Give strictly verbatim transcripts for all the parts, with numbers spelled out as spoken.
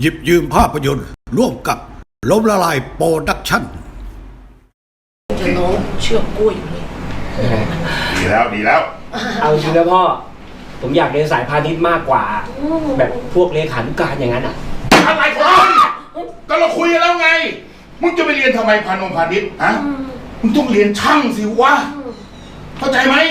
หยิบยืมภาพยนตร์ร่วมกับล้มละลายโปรดักชั่นจะน้องเชือกกล้วยอยู่เลยดีแล้วดีแล้วเอาจริงนะพ่อผมอยากเรียนสายพาณิชย์มากกว่าแบบพวกเลขานุการอย่างนั้นอ่ะอะไรของก็เราคุยกันแล้วไงมึงจะไปเรียนทำไมพานุพาณิชย์ฮะมึงต้องเรียนช่างสิวะเข้าใจไหม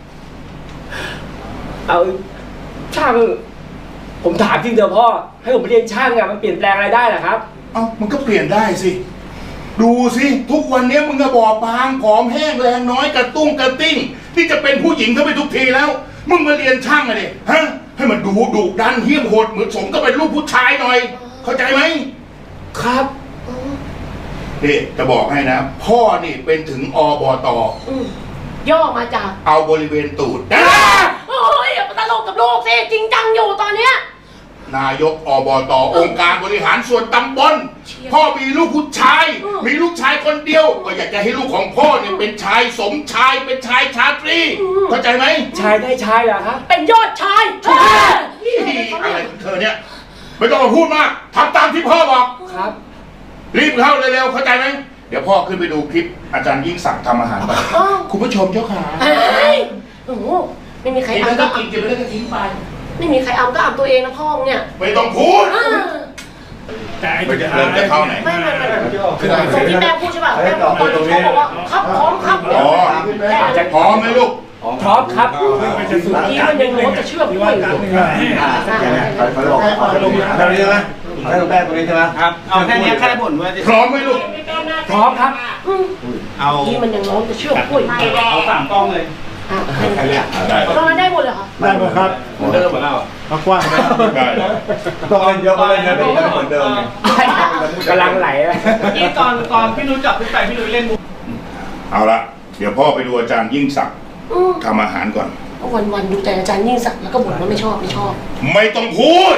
เอาช่างผมถามจริงเถอะพ่อให้ผมไปเรียนช่างอะมันเปลี่ยนแปลงอะไรได้หรอครับเอ้ามันก็เปลี่ยนได้สิดูสิทุกวันนี้มึงก็บอบบางผอมแห้งแรงน้อยกระตุ้งกระติ้งที่จะเป็นผู้หญิงเข้าไปทุกทีแล้วมึงมาเรียนช่างอะดิฮะให้มันดูดุดันเหี้ยมโหดเหมือนสมก็เป็นลูกผู้ชายหน่อยเข้าใจไหมครับนี่จะบอกให้นะพ่อนี่เป็นถึงอบต. ย่อมาจากเอาบริเวณตูดโอ้ยอย่าตลกกับลูกสิจริงจังอยู่ตอนเนี้ยนายกอบต.องค์การบริหารส่วนตำบลพ่อมีลูกผู้ชายมีลูกชายคนเดียวก็อยากจะให้ลูกของพ่อเนี่ยเป็นชายสมชายเป็นชายชาตรีเข้าใจไหมชายได้ชายเหรอครับเป็นยอดชายอะไรของเธอเนี่ยไม่ต้องมาพูดมากทำตามที่พ่อบอกครับรีบเข้าเร็วๆเข้าใจไหมเดี๋ยวพ่อขึ้นไปดูคลิปอาจารย์ยิ่งศักดิ์ทำอาหารไปคุณผู้ชมเจ้าขาโอ้โหไม่มีใครเอาก็กินกินไปแล้วก็ทิ้งไปไม่มีใครเอาก็เอาตัวเองนะพ่อเนี่ยไม่ต้องพูดไม่จะเริ่มจะเข้าไหนไม่ไม่ไม่ตรงที่แม่พูดใช่ป่ะแม่บอกตอนที่เขาบอกว่าครับพร้อมครับอ๋อจะพร้อมไหมลูกพร้อมครับเมื่อกี้มันยังโน้ตจะเชื่อมด้วยอยู่เขาบอกเขาลงแบบนี้ใช่ไหมให้ลงแป้งตรงนี้ใช่ไหมครับเอาแค่นี้แค่ผลว่าพร้อมไหมลูกพร้อมครับเอาที่มันยังโน้ตจะเชื่อมด้วยเอาสามกล้องเลยตอนนั้นได้หมดเลยค่ะได้หมดครับเดิมหมดแล้วกว้างได้ต้องเล่นเยอะก็เล่นเยอะเป็นเหมือนเดิมกำลังไหลที่ตอนตอนพี่นุ้ยจับพี่ไปพี่นุ้ยเล่นมุกเอาละเดี๋ยวพ่อไปดูอาจารย์ยิ่งศักดิ์ทำอาหารก่อนวันวันดูแต่อาจารย์ยิ่งศักดิ์แล้วก็บ่นว่าไม่ชอบไม่ชอบไม่ต้องพูด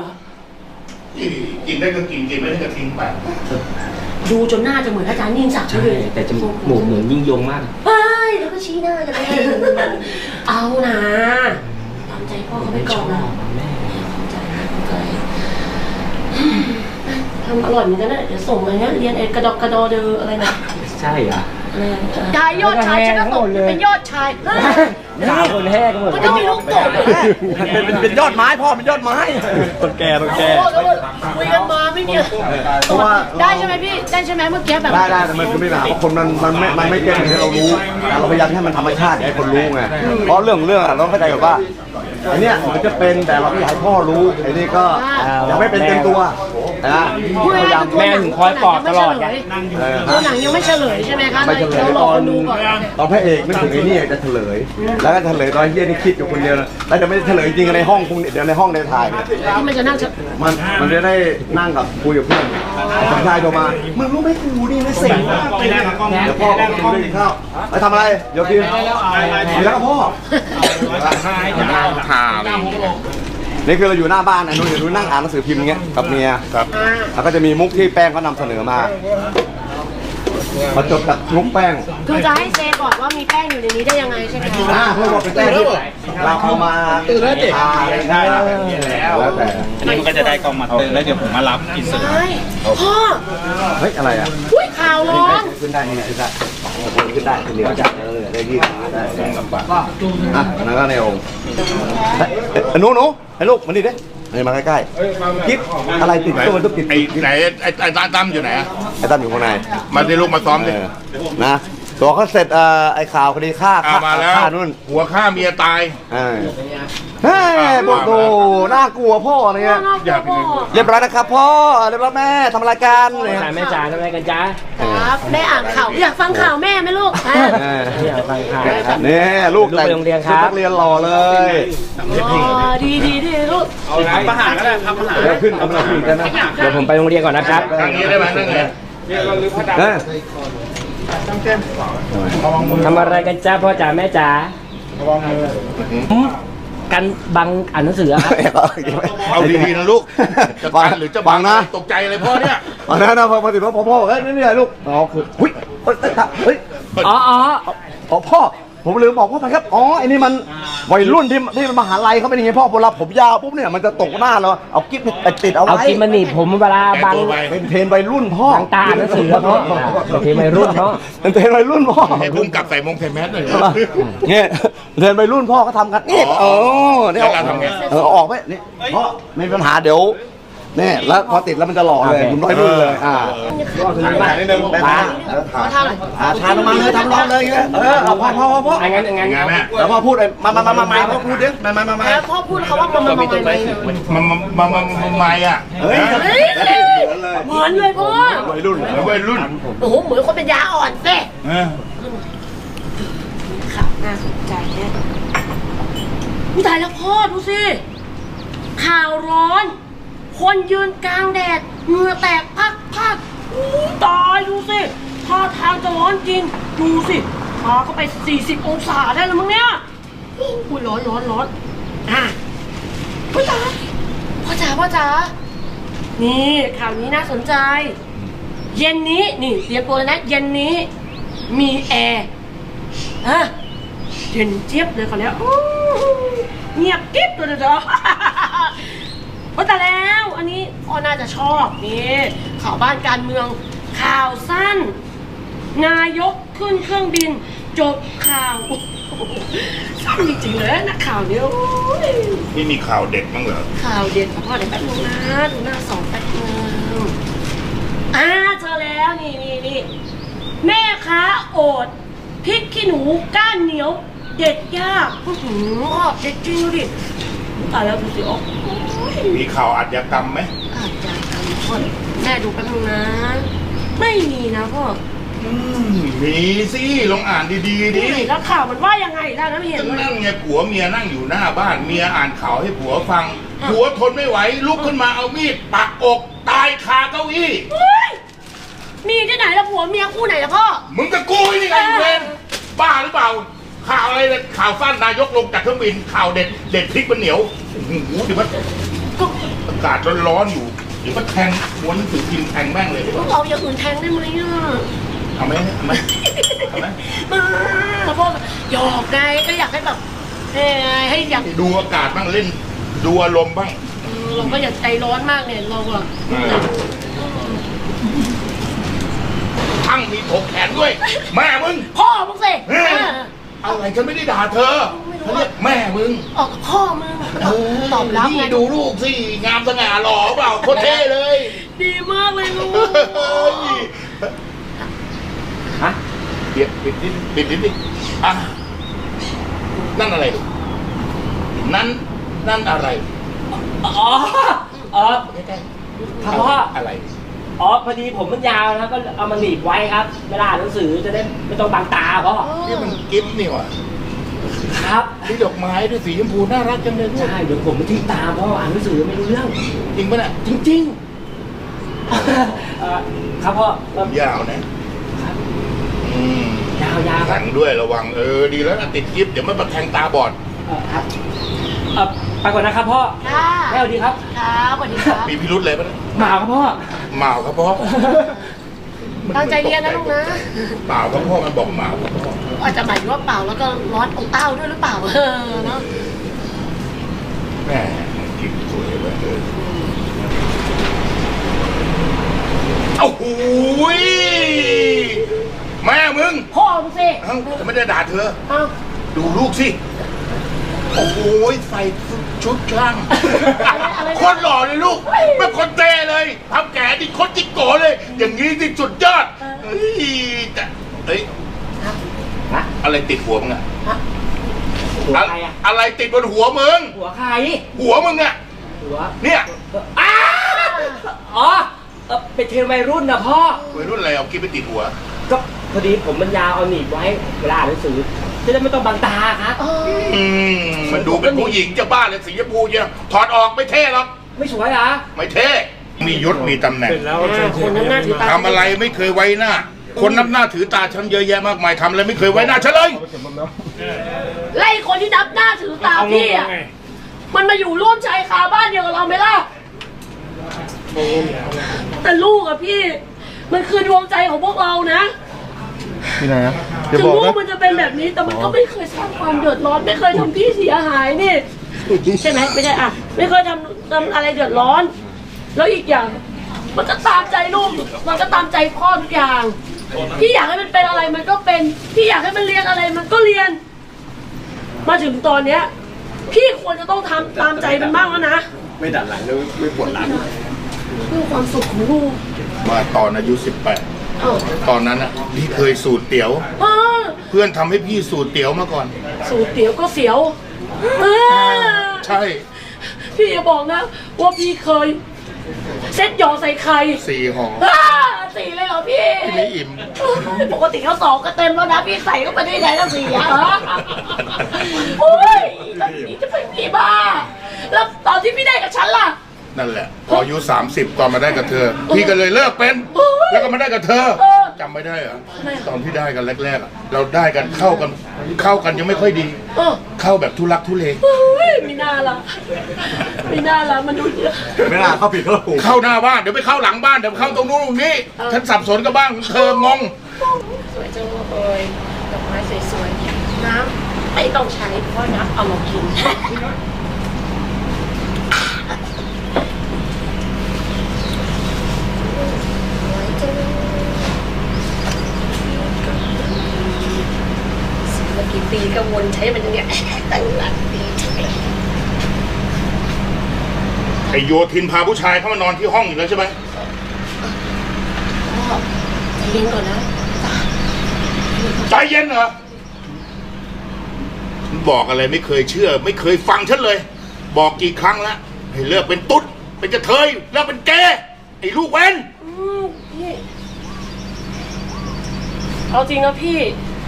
กินได้ก็กินกินไม่ได้ก็ทิ้งไปดูจนหน้าจะเหมือนอาจารย์ยิ่งศักดิ์เลยแต่จมูกเหมือนยิ่งยงมากเฮ้ยแล้วก็ชี้หน้ากันเลยเอานะตามใจพ่อเขาไปก่อนนะทำอร่อยเหมือนกันนะเดี๋ยวส่งมาเนี้ยเรียนเอกระดอกกระดอเดออะไรนะใช่เหรอชายยอดชายฉันก็ตกเป็นยอดชายสามคนแห้งหมดมันก็มีลูกตกเป็นเป็นยอดไม้พ่อเป็นยอดไม้ต้นแก่ต้นแก่คุยกันมาไม่เนี่ยเพราะว่าได้ใช่ไหมพี่ได้ใช่ไหมเมื่อกี้แบบได้ได้แต่มันก็ไม่หนาเพราะคนมันมันไม่มันไม่เก่งที่เรารู้เราพยายามให้มันธรรมชาติให้คนรู้ไงเพราะเรื่องเรื่องเราเข้าใจแบบว่าไอ้นี่มันจะเป็นแต่เราไม่อยากให้พ่อรู้ไอ้นี่ก็ยังไม่เป็นเต็มตัวนะพยายามแม่ถึงคอยปลอบตลอดไงตัวหนังยังไม่เฉลยใช่ไหมคะไม่เฉลยตอนตอนพระเอกนึกถึงไอ้นี่จะเฉลยแล้วก็เฉลยตอนเฮียนี่คิดอยู่คนเดียวแล้วจะไม่เฉลยจริงในห้องคงเดี๋ยวในห้องในถ่ายที่มันจะนั่งมันมันจะได้นั่งกับคุยกับเพื่อนสมชายโทรมามึงรู้ไหมกูนี่ไม่เสร็จเดี๋ยวพ่อก็กินด้วยข้าวไปทำอะไรเดี๋ยวกินกินแล้วพ่อนี่คือเราอยู่หน้าบ้านนะนุ่นอยู่นั่งอ่านหนังสือพิมพ์อย่างเงี้ยกับเมียครับแล้วก็จะมีมุกที่แป้งเขานำเสนอมามาจดกับมุกแป้งคือจะให้เซบอกว่ามีแป้งอยู่ในนี้ได้ยังไงใช่ไหมอ่าเพื่อบอกเป็นแป้งที่เราเอามาตื่นแล้วเด็กได้แล้วแล้วแต่นี่มันก็จะได้กล้องมาตื่นแล้วเดี๋ยวผมมารับอินเสิร์ตพ่อเฮ้ยอะไรอ่ะอุ้ยข่าวร้อนขึ้นได้นี่ขึ้นได้ขึ้นได้ขึ้นเดียวจับเลยได้ยี่ได้ได้ลำบากอ่ะนั่นก็ในองค์หนูหนูให้ลูกมันดีดินี่มาใกล้ๆกิ๊บอะไรติดตัวมันต้องติดไอ้ไหนไอ้ไอ้ตั้มอยู่ไหนไอ้ตั้มอยู่ข้างในมาได้ลูกมาซ้อมดินะตัวเขาเสร็จไอ้ข่าวคดีฆ่าฆ่านู่นหัวฆ่าเมียตายเฮ้ยโบโตน่ากลัวพ่อเนี่ยอย่าไปเรียบร้อยนะครับพ่อเรียบร้อยแม่ทำรายการแม่จ๋าทำอะไรกันจ๊ะครับแม่อ่านข่าวอยากฟังข่าวแม่ไหมลูกอยากฟังข่าวนี่ลูกแต่งโรงเรียนครับนักเรียนหล่อเลยดีดีดีลูกทำอาหารก็ได้ทำอาหารเดี๋ยวขึ้นเอามาขึ้นกันนะเดี๋ยวผมไปโรงเรียนก่อนนะครับทางนี้ได้ไหมนั่งไงทำอะไรกันจ้าพ่อจ๋าแม่จ๋ากันบังอ่านหนังสือครับเอาดีๆนะลูกจะบังหรือจะบังนะตกใจอะไรพ่อเนี่ยบังนะนะพอพอติดพ่อพ่อเฮ้ยนี่นี่ลูกอ๋อคือหุ้ยเฮ้ยเฮ้ยอ๋ออ๋ออ๋อพ่อผมลืมบอกพ่อไปครับอ๋อไอ้นี่มันวัยรุ่นที่ที่มหาลัยเขาเป็นยังไงพ่อเวลาผมยาวปุ๊บเนี่ยมันจะตกหน้าเราเอากิ๊บไปติดเอาเอาไว้กินมาหนีบผมเวลาแต่บังตัวไปเป็นเทรนวัยรุ่นพ่อบังตาหนังสือเนาะเป็นเทรนวัยรุ่นเนาะเป็นเทรนวัยรุ่นพ่อให้พุ่งกลับใส่มงใส่แมสหน่อยเนี่ยเทรนวัยรุ่นพ่อเขาทำกันนี่เออเนี่ยแล้วเราทำไงเออออกไปนี่เพราะไม่มีปัญหาเดี๋ยวเนี่ยแล้วพอติดแล้วมันจะหล่อเลยคุณวัยรุ่นเลยอ่าถ่ายนิดนึงตาขอทำหน่อยอ่าทานออกมาเลยทำร้อนเลยอย่างเงี้ยเออเอาพ่อพ่อพ่อพ่ออันงั้นอันงั้นไงแม่แล้วพ่อพูดเลยมามามามามาพ่อพูดดิมามามามาแล้วพ่อพูดเขาว่ามันมันมันมันมันมันมันมันไม่อ่ะเฮ้ยเฮ้ยเหมือนเลยพ่อวัยรุ่นเหมือนวัยรุ่นโอ้โหเหมือนคนเป็นยาอ่อนเซ่เออข่าวน่าสนใจแน่อุ้ยตายแล้วพ่อดูสิข่าวร้อน คนยืนกลางแดดเหงื่อแตกพักพักอุ้ยตายดูสิท่าทางจะร้อนจริงดูสิพาเข้าไปสี่สิบองศาได้แล้วมั้งเนี่ยอุ้ยร้อนร้อนร้อนอ่ะพ่อจ๋าพ่อจ๋าพ่อจ๋านี่ข่าวนี้น่าสนใจ เย็นนี้นี่เตรียมตัวเลยนะเย็นนี้มีแอร์ฮะเย็นเจี๊ยบเลยเขาแล้วอู้หูเงียบกิ๊บตัวเดียวๆ ว่าแต่แล้วอันนี้พ่อน่าจะชอบนี่ข่าวบ้านการเมืองข่าวสั้น นายกขึ้นเครื่องบินจบข่าวสั้นจริงๆเลยนักข่าวเนี่ยโอ้ยนี่มีข่าวเด็ดมั้งเหรอข่าวเด็ดของพ่อเดี๋ยวแป๊บนึงนะดูหน้าสองแป๊บนึงอ่าเจอแล้วนี่นี่นี่แม่ค้าโอดพริกขี้หนูก้านเหนียวเด็ดยากอื้อหือพ่อเด็ดจริงดูดิตายแล้วดูสิอ๋อมีข่าวอาชญากรรมไหมอาจจะทำพ่อแม่ดูแป๊บนึงนะ ไม่มีนะพ่ออืมมีสิลองอ่านดีๆดินี่แล้วข่าวมันว่ายังไงล่ะนะไม่เห็นเลยนั่งไงผัวเมียนั่งอยู่หน้าบ้านเมียอ่านข่าวให้ผัวฟังผัวทนไม่ไหวลุกขึ้นมาเอามีดปักอกตายคาเก้าอี้เฮ้ยมีที่ไหนละผัวเมียคู่ไหนละพ่อมึงกับกูนี่ไงเวนบ้าหรือเปล่า ข่าวอะไรเนี่ยข่าวสั้นนายกลงจากเครื่องบินข่าวเด็ดเด็ดพริกมันเหนียวโอ้โหเดี๋ยวมันก็อากาศร้อนๆอยู่เดี๋ยวมันแทงม้วนหนังสือพิมพ์แทงแม่งเลยต้องเอาอย่างอื่นแทงได้ไหมอ่ะเอาไหมเอาไหมเอาไหมมาแล้วพ่อหยอกไงก็อยากให้แบบเอ้ยให้อยากดูอากาศบ้างเล่นดูอารมณ์บ้างเออเราก็อยากใจร้อนมากเนี่ยเราอะทั้งมีถกแขนด้วย แม่มึงพ่อมึงสิเฮ้ยเอออะไรฉันไม่ได้ด่าเธอเขาเรียกแม่มึงออกกับพ่อมึงตอบรับไงนี่ดูลูกสิงามสง่าหล่อเปล่าโคตรเท่เลยดีมากเลยลูกเฮ้ยฮะเดี๋ยวปิดนิดปิดนิดดิอ่ะนั่นอะไรลูกนั่นนั่นอะไรอ๋ออ๋อครับพ่ออะไรอ๋อพอดีผมมันยาวนะก็เอามาหนีบไว้ครับเวลาอ่านหนังสือจะได้ไม่ต้องบังตาพ่อนี่มันกิฟต์นี่หว่ะครับนี่ดอกไม้ด้วยสีชมพูน่ารักจังเลยลูกใช่เดี๋ยวผมมันทิ้งตาพ่ออ่านหนังสือไม่รู้เรื่องจริงปะเนี่ยจริงๆเอ่อครับพ่อเอ่อยาวนะอืมยาวยาวครัแข็บงด้วยระวังเออดีแล้วนะติดกิฟต์เดี๋ยวมันมาแทงตาบอดเอ่อครับเอ่อไปก่อนนะครับพ่อค่ะแม่สวัสดีครับครับสวัสดีครับมีพิรุษอะไรปะเนี่ยหมาครับพ่อเมาครับพ่อตั้งใจเรียนนะลูกนะเปล่าครับพ่อมันบอกเมาครับพ่ออาจจะหมายถึงว่าเปล่าแล้วก็ร้อนอกเต้าด้วยหรือเปล่าเออเนาะแม่กิฟต์สวยเว้ยเออเอ้าหูยแม่มึงพ่อมึงสิเอ้าจะไม่ได้ด่าเธอเอ้าดูลูกสิ โอ้โหใส่ชุดช่างอะไรอะไรโคตรหล่อเลยลูกไม่คนเต้เลยทำแก่ดิโคตรจิกโกเลย อย่างนี้ที่สุดยอดเฮ้ยแต่เฮ้ยฮะอะไรติดหัวมึงอะหัวอะใครอะอะไรติดบนหัวมึงหัวใครหัวมึงอะหัวเนี่ยอ้าอ๋อเอ่อเป็นเทรนวัยรุ่นนะพ่อวัยรุ่นอะไรเอากิ๊บไปติดหัวก็พอดีผมมันยาวเอาหนีบไว้เวลาอ่านหนังสือจะได้ไม่ต้องบังตาครับเอออืมมันดูเป็นผู้หญิงจะบ้าเลยสีชมพูเนี่ยถอดออกไม่เท่หรอกไม่สวยเหรอไม่เท่มียศมีตำแหน่งคนน้ำหน้าถือตาทำอะไรไม่เคยไว้หน้า คนนับหน้าถือตาฉันเยอะแยะมากมายทำอะไรไม่เคยไว้หน้าฉันเลยไล่คนที่นับหน้าถือตาพี่อ่ะมันมาอยู่ร่วมชายคาบ้านเดียวกับเราไหมล่ะแต่ลูกอะพี่ มันคือดวงใจของพวกเรานะที่ไหนอะอย่าถึงบอกรู้นะว่ามันจะเป็นแบบนี้แต่มันก็ไม่เคยสร้างความเดือดร้อนไม่เคยทำพี่เสียหายนี่ใช่ไหมไม่ใช่อ่ะไม่เคยทำทำอะไรเดือดร้อน แล้วอีกอย่าง มันก็ตามใจลูกมันก็ตามใจพ่อทุกอย่างพี่อยากให้มันเป็นอะไรมันก็เป็นพี่อยากให้มันเรียนอะไรมันก็เรียน มาถึงตอนเนี้ยพี่ควรจะต้องทำตามใจมันบ้างแล้วนะไม่ดันหลังแล้วไม่ปวดหลังเพื่อความสุขของลูกมาตอนอายุสิบแปดเอ้าตอนนั้นอ่ะพี่เคยสูตรเตี๋ยวเออเพื่อนทำให้พี่สูตรเตี๋ยวมาก่อนสูตรเตี๋ยวก็เสียวเออใช่พี่อย่าบอกนะว่าพี่เคยเซ็ตหยอใส่ไข่สี่ห่ออ้าสี่เลยเหรอพี่พี่ไม่อิ่มปกติเขาสองก็เต็มแล้วนะพี่ใส่เข้าไปได้ไงตั้งสี่อ่ะเหรอโอ้ยตอนนี้จะเป็นพี่บ้าแล้วตอนที่พี่ได้กับฉันล่ะนั่นแหละพออายุสามสิบตอนมาได้กับเธอ พี่ก็เลยเลิกเป็น แล้วก็มาได้กับเธอเออจำไม่ได้เหรอตอนที่ได้กันแรกๆอะเราได้กันเข้ากันเข้ากันยังไม่ค่อยดีเออเข้าแบบทุลักทุเลโอ้ยไม่น่าละไม่น่าละมันดูเยอะไม่น่าเข้าผิดเข้าถูกเข้าหน้าบ้านเดี๋ยวไปเข้าหลังบ้านเดี๋ยวเข้าตรงนู้นตรงนี้ฉันสับสนกับบ้านเธองงสวยจังเลยดอกไม้สวยๆน้ำไม่ต้องใช้เพราะน้ำเอามากินเมื่อกี่ปีก็วนใช้มันอย่างเงี้ยตั้งหลายปีใช่ไหมไอโยทินพาผู้ชายเข้ามานอนที่ห้องอีกแล้วใช่ไหมพ่อใจเย็นก่อนนะใจเย็นเหรอฉันบอกอะไรไม่เคยเชื่อ ไม่เคยฟังฉันเลย บอกกี่ครั้งแล้วให้เลิกเป็นตุ๊ดเป็นกระเทยเลิกเป็นแกไอ้ลูกเว้นอืมพี่เอาจริงนะพี่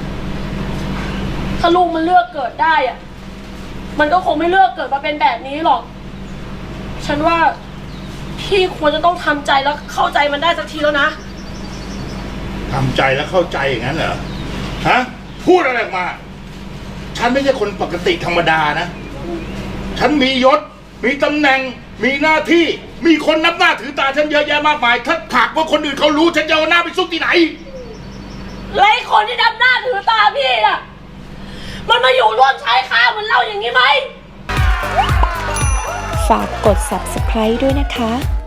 ถ้าลูกมันเลือกเกิดได้อะมันก็คงไม่เลือกเกิดมาเป็นแบบนี้หรอก ฉันว่าพี่ควรจะต้องทำใจแล้วเข้าใจมันได้สักทีแล้วนะทำใจแล้วเข้าใจอย่างนั้นเหรอ ฮะ พูดอะไรออกมา ฉันไม่ใช่คนปกติธรรมดานะ ฉันมียศ มีตำแหน่ง มีหน้าที่ มีคนนับหน้าถือตาฉันเยอะแยะมากมาย ถ้าหากว่าคนอื่นเขารู้ ฉันจะเอาหน้าไปซุกที่ไหนและไอ้คนที่ดำหน้าถือตาพี่น่ะ มันมาอยู่ร่วมชายคาเหมือนเราอย่างนี้ไหมฝากกด ซับสไครบ์ ด้วยนะคะ